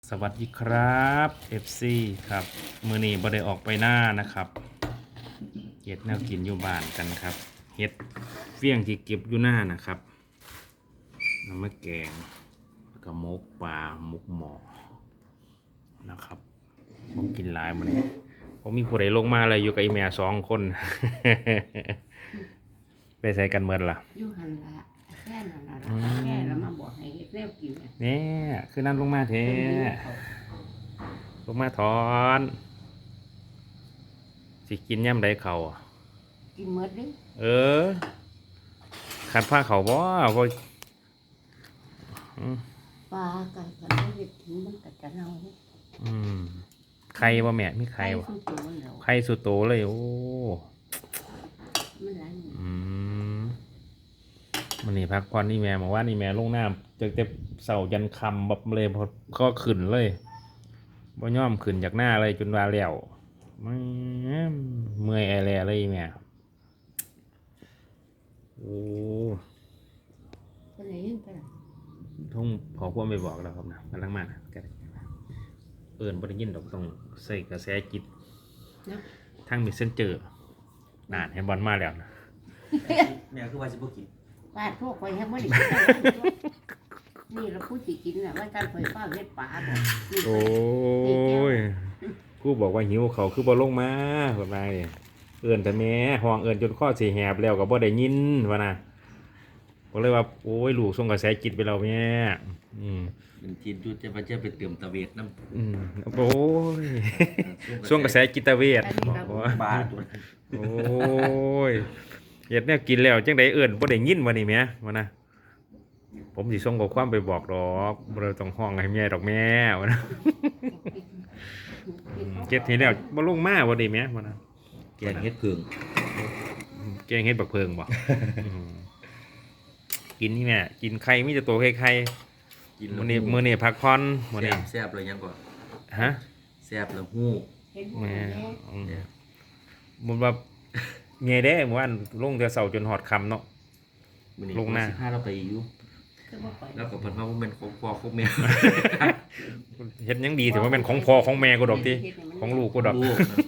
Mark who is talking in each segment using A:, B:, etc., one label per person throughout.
A: สวัสดีครับ FC ครับมื้อนี้บ่ได้ออกไปหน้านะครับเฮ็ดแนวกินอยู่บ้านกันครับเฮ็ดเฟี้ยงที่เก็บอยู่หน้านะครับน้ำมะแกงแล้วก็หมกปลาหมกหมอนะครับผมกินหลายมื้อนี้ผมมีผู้ใดลงมาเลยอยู่กับอีแม่2 คน ไปใส่กันเมื่อล่ะ
B: อยู่หันละแค่นั้นละแค่แล้วมาบอกให้เฮ็ดแนวกิน
A: นี่
B: เนี่ย
A: คือนั่นลงมาเทลงมาถอน สิกินย่ำใดเขาอะ
B: กินหมดเด้
A: เออขัดผ้าเขาบ่บ่
B: ปลาไก่ก็ได้เฮ็ดกินมันก็จะเน่า
A: ไข่บ่แม่มีไข่บ่
B: สุดโตแล้ว
A: ไข่สุดโตเลยโอ้
B: มันหลาย
A: มันนี่พักผ่อนนี่แม่บอกว่านี่แม่ลงน้ำจากแต่เสายันคำแบบเลยพอก็ขึ้นเลยบ่ย่อมขึ้นจากหน้าเลยจนว่าแล้วไม่เมื่อยแอแลเลยแม่โอ้
B: เป็นไงยังไปล่ะ
A: ทุ่งพอพวกไม่บอกแล้วครับนะกำลังมากันเอิญบ่ได้ยินดอกต้องใส่กระแสจิต
B: เนาะ
A: ทั้งมีเส้นเจอนานให้บอลมาแล้วนะ
C: แม่คือว่าสิบ่กิน
B: ปลาทั่วไปให้บ่ได้นี่เราพูดสิกินน่ะว่าการเผยฟ้าเฮ็ดปลาบ่นี่
A: โอ้ยกูบอกว่าหิวเขาคือบ่ลงมาแบบไรเอิญแต่แม่ห้องเอิญจนข้อสีแหบแล้วก็บ่ได้ยินวะนะก็เลยว่าโอ้ยลูกส่งกระแสจิตไปแล้วแม่
C: เป็นทีนจุดจะมาไปเติมตะเวทน้ำ
A: โอ้ยส่งกระแสจิตเวชบอกว่า
C: บาตัว
A: โอ้ยเฮ็ดแนวกินแล้วจังไดเอิ้นบ่ได้ยินวะนี่แหมวะนะผมสิส่งข้อความไปบอกดอกบ่ได้ต้องห้องให้แม่ดอกแม่วะนะเก็บทีแล้วบ่ลงมาบ่ได้แหมวะนะ
C: แกงเฮ็ดเพิง
A: แกงเฮ็ดบักเพิงบ่กินนี่แม่กินไข่มีแต่ตัวไข่
C: กิน
A: มื้อนี้พักผ่อนมื้อนี้
C: แซ่บเลยยังก่อน
A: ฮะ
C: แซ่บแล้วฮู้
B: เห็นบ่
A: แม่
B: แม่
A: มุนว่าไงเด้เมื่อวานลงแต่เช้าจนฮอดค่ำเนาะ
C: มื้อนี้
A: ลงหน้า
C: สิพาเราไปอยู่
B: คือบ่ไป
C: แล้วก็เพิ่นว่าบ่แม่นของพ่อของแม่
A: เฮ็ดยังดีถือว่าเป็นของพ่อของแม่กูดอกติของลูกกูดอก
C: ลูกนะ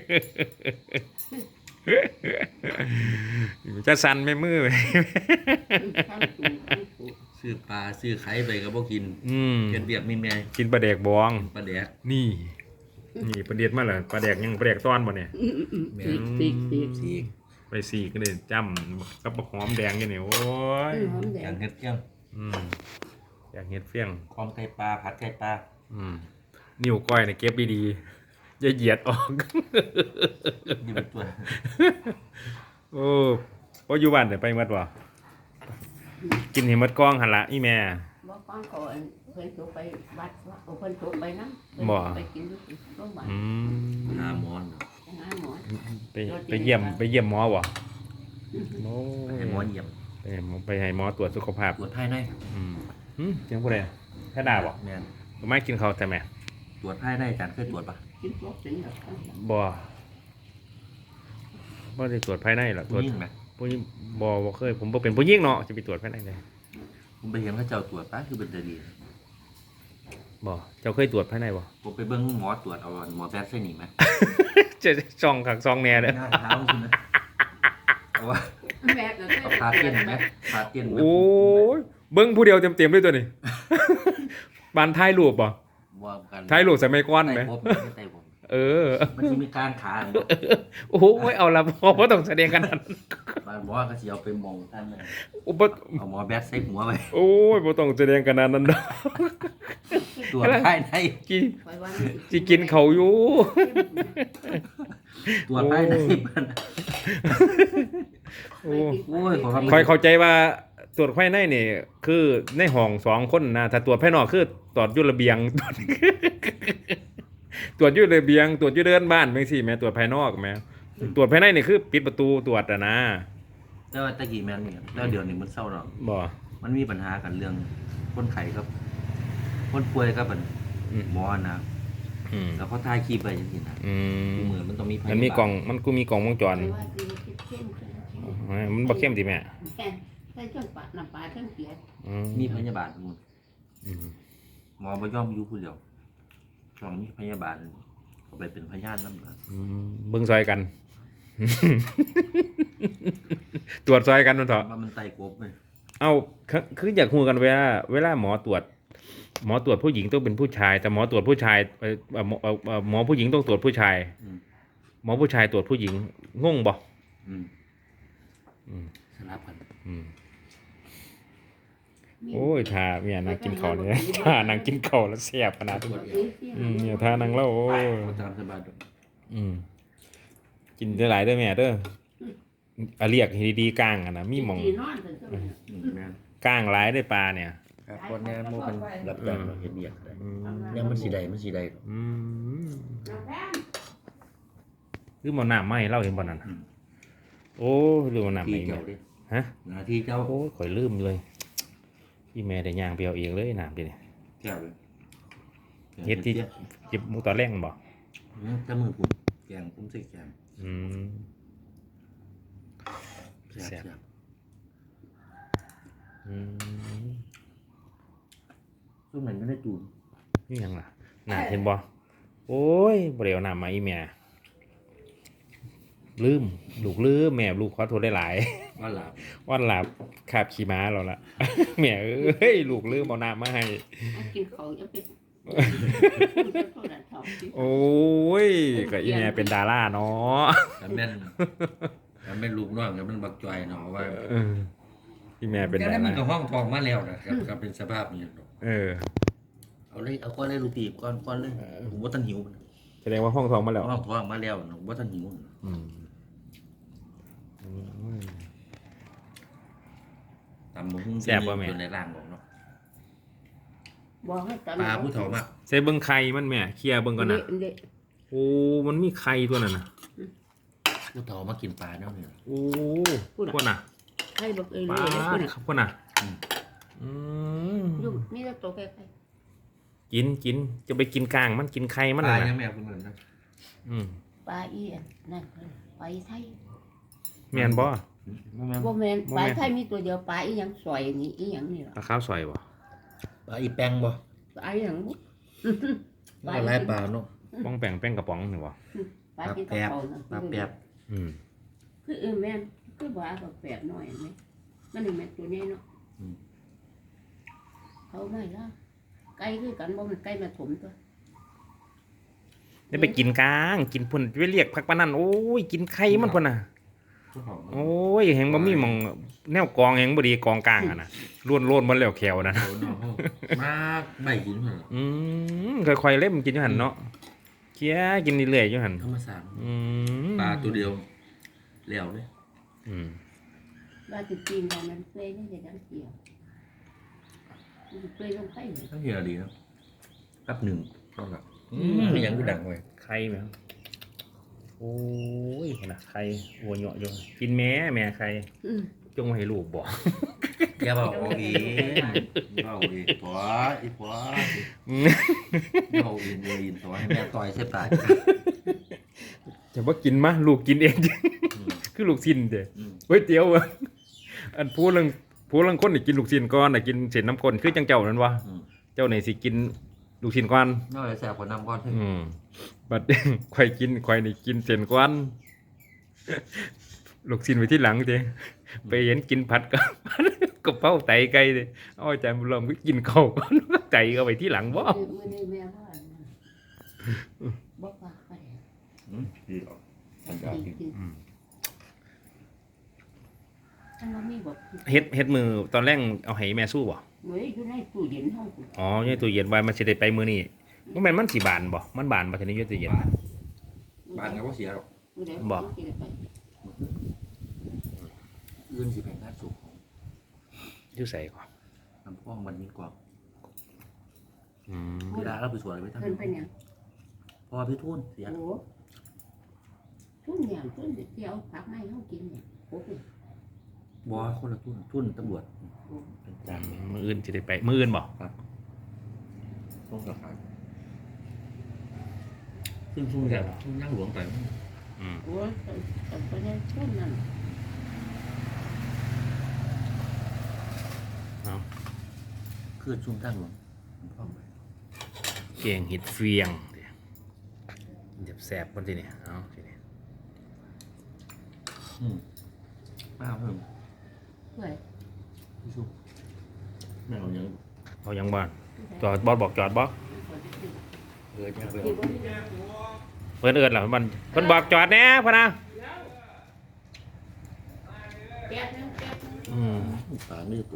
A: จะสั่นไม่มือไป
B: ข้างตูข้างตู
C: ซื้อปลาซื้อไข่ไปก็บ่กินเฮ็ดเวียกมีแม่
A: กินปลาแดกบอง
C: ปลาแดก
A: นี่ประเด็ดมาเหรอปลาแดกยังปลาแดกต้อนบ่เนี่ย
B: ปีก
C: สีก
A: ไปสี่ก็เลยจ้ำกับหอมแดงอย่างนี้โอ้ย
B: หอมแด
C: อย่าง งเฮ็ดเกี้ยง
A: อยากเห็ดเฟี้ยง
C: พร้อมไข่ปลาผัดไข่ปลา
A: นิ้วก้อยเนี่ยเก็บดีๆอย่าเหยียดออก
C: นี่เป็นตัว
A: โอ้พออยู่บ้านเดี๋ยวไปหมดวะกินเห็นมดกล้องหันละอีแม่
B: บ่ฟังก่อนเพิ่นถูกไปวัดว่าเพิ่นถูกไปนำ
A: บ่
B: ไปกินอยู่โรงพยาบาล
C: หาหมอน
B: ไปหาหมอ
A: ไปเยี่ยมหมอวะโอ้
C: ให้หมอเยี่ยม
A: ไปให้หมอตรวจสุขภาพ
C: ตรวจภายใน
A: เสียงผู้ใดแค่ด่าบ่
C: แม่น
A: ไม่กินข้าวแต่แม่
C: ตรวจภายในอาจารย์เคยตรวจปะ
B: กินพวกเป็นแบบ
A: บ่ได้ตรวจภายในหรอกตรวจ
C: ยิ่งไหม
A: ผู้หญิงบ่เคยผมบ่เป็นผู้หญิงเนาะจะไปตรวจภายในเลย
C: ผมไปเห็นเขาเจ้าตรวจปะคือเป็นตาดี
A: บ่เจ้าเคยตรวจภายในบ่
C: ผมไปเบิ้งหมอตรวจเอาหมอแบทใส่หนีไหม
A: จะซองขักซองแหน่เด้อ
C: หน้าเท้าคุณนะเอาว่า
B: แม่ก็
C: เอาพาเตี้ยนไหมพาเตี้ยนไหม
A: โอ้ยเบิ่งผู้เดียวเต็มๆเลยตัวนี้ บานท้ายรูปบ่
C: ว่ากัน
A: ท้ายรูปใส่ไม้ก้อนไหม
C: ไต่ผมไม่ไต่ผม
A: เออ
C: มันจะมีการขา
A: โอ้โหเอาละบ่ต้องแสดงกันนั้น
C: บางหมอก็สิเอาไปมองท่านเลย
A: โอ้บ่
C: เอาหมอแบทใส่หัวไป
A: โอ้ยบ่ต้องแสดงกันนั้นดอก
C: ตรวจภายใน
A: กิน
B: ไปว่า
A: สิกินเขาวอยู่
C: ตรวจภายในมัน
A: โอ้
C: โอ้ยขอ
A: คอยเข้าใจว่าตรวจภายในนี่คือในห้อง2 คนนะถ้าตรวจภายนอกคือตรวจอยู่ระเบียง ตรวจอยู่ระเบียงตรวจอยู่เดินบ้านจังซี่แม่ตรวจภายนอกแม่ตรวจภายในนี่คือปิดประตูตรวจอะนะ
C: แต่ว่าตะกี้แม่นนี่แล้วเดี๋ยวนี้มันเศร้าหรอก
A: บ่
C: มันมีปัญหากันเรื่องคนไข้ครับ คนป่วยครับมันหมอนะ
A: อืม
C: แล้วเขาถ่ายคลิปไปจังซี่นะ
A: อืม
C: เหมือนมันต้องมีพยาบาล
A: มันมีกล่องมันกูมีกล่องวงจร
B: ไปว่ากินเข้มๆ
A: มันบ่เข้มติแม่
B: ใส่จนปะน้ำปลาทั้งเสีย
A: อืม
C: มีพยาบาลหมด
A: อืม
C: หมอบ่ยอมอยู่ผู้เดียวช่องนี้พยาบาลเขาไปเป็นพยานนั่นนะ
A: เบิ่งซอยกัน ตรวจซอยกันมันเถอะ
C: ว่ามันไต่กบไหม
A: เอาคืออยากฮู้กันเวลาหมอตรวจผู้หญิงต้องเป็นผู้ชาย แต่หมอตรวจผู้ชายหมอผู้หญิงต้องตรวจผู้ชาย หมอผู้ชายตรวจผู้หญิงงงบ่
C: อืม
A: อืม
C: สลับกัน
A: อืมโอ้ยทาเนี่ยนางกินข้าวเนี่ยทานางกินข้าวแล้วแซ่บขนาดนี้เนี่ยทานางเล่าโอ้ย
C: เขาตามสบายดอก
A: กินได้หลายเด้อแม่เด้ออะเรียกให้ดีๆก้างอะนะมีหม่อง
B: ตีนอนถึงจะ
C: แม่น
A: ก้างหลายได้อปลาเนี่ย
C: ครับคนเนี้ยมันเป็นรับจ้างเราเห็นเบียกได้เนี่ยมันสีใดด
A: อืมคือหมอน้ำไหมเล่าเห็นบ่นั่นน่ะโอ้ยลืมหมอน้ำไหม
C: ที่เจ้าดิ
A: ฮะ
C: หน้าที่เจ้า
A: โอ้ยข่อยลืมเลยพี่แม่ได้ย่างไปเอาเองเลยน้ำดิเนี่ย
C: เจ้าเลย
A: เฮ็ดที่จิบหมูตอนแรกมันบ่
C: ถ้ามือผมแกงผมใส่แกง
A: อืม
C: แซ่บ
A: อืม
C: ช่วงนั้นก็ได้จูน
A: นี่หยังล่ะน่าเห็นบ่โอ้ยบ่ได้เอาน้ำมาอีแม่ลืมลูกลืมแม่ลูกขอโทษได้หลาย
C: ว่าหลับ
A: ๆวันหลับคาบขี่ม้าเราละ แม่เอ้ยลูกลืมเอาน้ำมาให้
B: กินเขาจะเป็น
A: โอ้ยก็อีแม่เป็นดาราเนาะ
C: แต่แม่นลูกน้องกับมันบักจอยเนาะว่า
A: เอออีแม่เป็น
C: แต่
A: ดา
C: แล้วมัน
A: รา
C: ก็ห้องทองมาแล้วนะครับก็เป็นสภาพนี้เนาะ
A: เออ
C: เอาก้อนเลยลูกตีบก้อนเลยผมว่าท่านหิว
A: แสดงว่าห้องทองมาแล้ว
C: ห้องทองมาแล้วผมว่าท่านหิว
A: อืม
C: ตำหมูหุ้ง
A: แซ่บบ่แม่
C: อยู่ในร่างของเนาะ
B: บอกให้ตอน
C: ปลาผู้เฒ่ามาก
A: ใส่เบิ่งไข่มันแม่เคลียร์เบิ่งก่อนนะโอ้มันมีไข่ตัวนั้นน่ะ
C: ผู้เฒ่ามากินปลาเนาะเนี่ย
A: โอ้พวกน่ะ
B: ให้บอกเอ้ย
A: ปลา
B: เลยคนน่ะ
A: พวกน่ะอืม
B: ยุ่งมีแต่ตัวใคร
A: กินจะไปกินกลางมันกินไข่มัน
C: ปลา
A: น่ะ
C: ยัง
A: นะ
C: แม่คุณเหมือนนะ
B: ปลาอีนั่นไปไทย
A: แม่นบ่
B: บ่แม่นปลาไทยมีตัวเดียวปลาอีหยังสวยนี่อีหยังนี่ล่ะ
A: ปลาข้าวซอยบ่
C: ปลาอีแป้งบ่
B: ปลาอีหยัง
C: ปลาหลายปลาเนาะ
A: ป้องแป้งแป้งกระป๋องนี่บ่
B: ปลาที่กระเป๋านั่น
C: ปลาแปบ
A: อืม
B: คือแม่นคือว่าก็แปดน้อยไหมมันนี่แม่นตัวใหญ่เนาะเขาไม่ละไก่คือกันบ่มันไก่มาถมตัว
A: ได้ไปกินกลางกินพุ่นไปเรียกพักปานนั้นโอ้ยกินไข่มันพุ่นน่ะ
C: ผู้เฒ่า
A: โอ้ยแหงบ่มีหม่องแนวกองแหงบ่ดีกองกลางอ่ะนะล้วนๆบ่แล้วแขวนะ
C: เฒ่าเนาะมากใบกินเหรอ
A: ค่อยๆเล่มกินอยู่หั่นเนาะเคี้ยกินเรื่อยๆอยู่หั่น
C: ธรรมศาสตร์
A: ป
C: ปลาตัวเดียวแล้วเลย
B: ว่าสิปีนมันเฟ้ยนี่จะดังเกี่ยวเฟ้ยลงไปเลย
C: ทั้งเฮียดีเนาะแป๊บหนึ่งเท่ากับยังก็ดังเลย
A: ไข่แม่โอ้ยพุ่นน่ะไข่หัวเหยาะอยู่กินแม่ไข่จงไว้ให้ลูกบ่
C: อย่าบอกเอาเองเอาเองตัวอีกว่าเอาเองเลยตัวให้แม่ต่อยเสียตาย
A: จะว่ากินมะลูกกินเอง คือลูกชิ้นเด้เฮ้ยเตี๋ยวอะอันผู้ลังคนนี่กินลูกชิ้นก่อนน่ะกินเศษน้ำข้นคือจังเจ้านั่นวะเจ้านี่สิกินลูกชิ้นก่อน
C: น่าจะแสบกว่าน้ำก้อนเถอะ
A: บัด ข่อยนี่กินเส้นก่อน ลูกชิ้นไว้ที่หลังเด้ไปเห็นกินผัดกับ กะเพราไตไก่เด้เอาอาจารย์บุญรอมก็กินข้าวก่อน ไตก็ไปที่หลังบ่
B: มื้อนี้แม่ว่าบ่ปากไป
C: ดีออก
B: กินอันนั้นมีบ่
A: เฮ็ดมือตอนแรกเอาให้แม่สู้บ่
B: เว้ยอยู่ในตู้เย็นเฮา
A: อ๋ออยู่ในตู้เย็นไว้มันสิได้ไปมื้อนี้บ่แม่นมันสิบานบ่มันบานบ่ทันได้อยู่ตู้เย็น
C: บ้านก็บ่เสียหรอก
B: บ่
C: อื่นสิแพงงานสูง
A: อยู่ไสก่อน
C: น้ำพ่องมันยิ่งกว่า
A: อืม
C: เวลาเราไปสวนไปทำ
B: เพิ่นเป็นหยัง
C: พอพี่ทุ่นเสีย
B: โอ้ทุนอย่างทุนเที่ยวผักไม้เฮากินเนี่ยโอ้โห
C: บอคนละทุ่นตำรวจเป็นจาน
A: มื้ออื่นสิได้ไปมื้ออื่นบ่
C: ต้องกับใครซึ่งทุ่นแบบทุ่นย่างหลวงไป
A: อืม
B: โอ้ยแต่ไปในทุนนั่น
A: เอา
C: คือชุ่มท่างหลวงพ่อไป
A: แกงเห็ดเฟียงเด้เจ็บแสบบนทีนี่เอาทีนี้
C: มาเพิ่ม
B: เพื่อน
C: พี่ชุบแม่เอายัง
A: เอายังบ้านจอดบอสบอกจอดบอส
C: จะไป
B: ที่บ่มี
A: เพื่อนเอิญเหรอมันเพื่อนบอกจอดแน่พะนะ
B: แป๊บนึง
C: ปลาไม่ตัว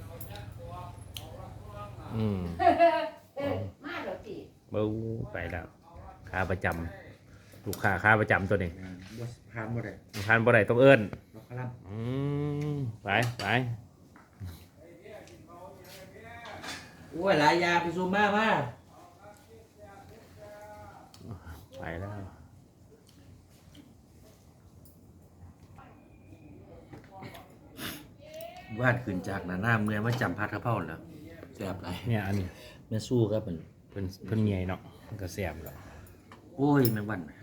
B: มาแล้วสิ
A: เบ้าไปแล้วค่าประจำลูกค้าค่าประจำตัวนี้
C: บ่พานบ่ได้
A: ทานบ่ได้ต้องเอิญ
C: ล็อกคลัม
A: ไปไป
C: โอ้ยหลายยาไปซูมมา
A: ไปแล้ว
C: วาดขึ้นจากหน้าเมื่อมาจำพัดกระเพราแล้วแซ่บไร
A: เนี่ยอันนี้
C: แม่สู้ครับมัน
A: เพิ่นเมียเนาะมันก็แซ่บแล้ว
C: โอ้ยแมงวัน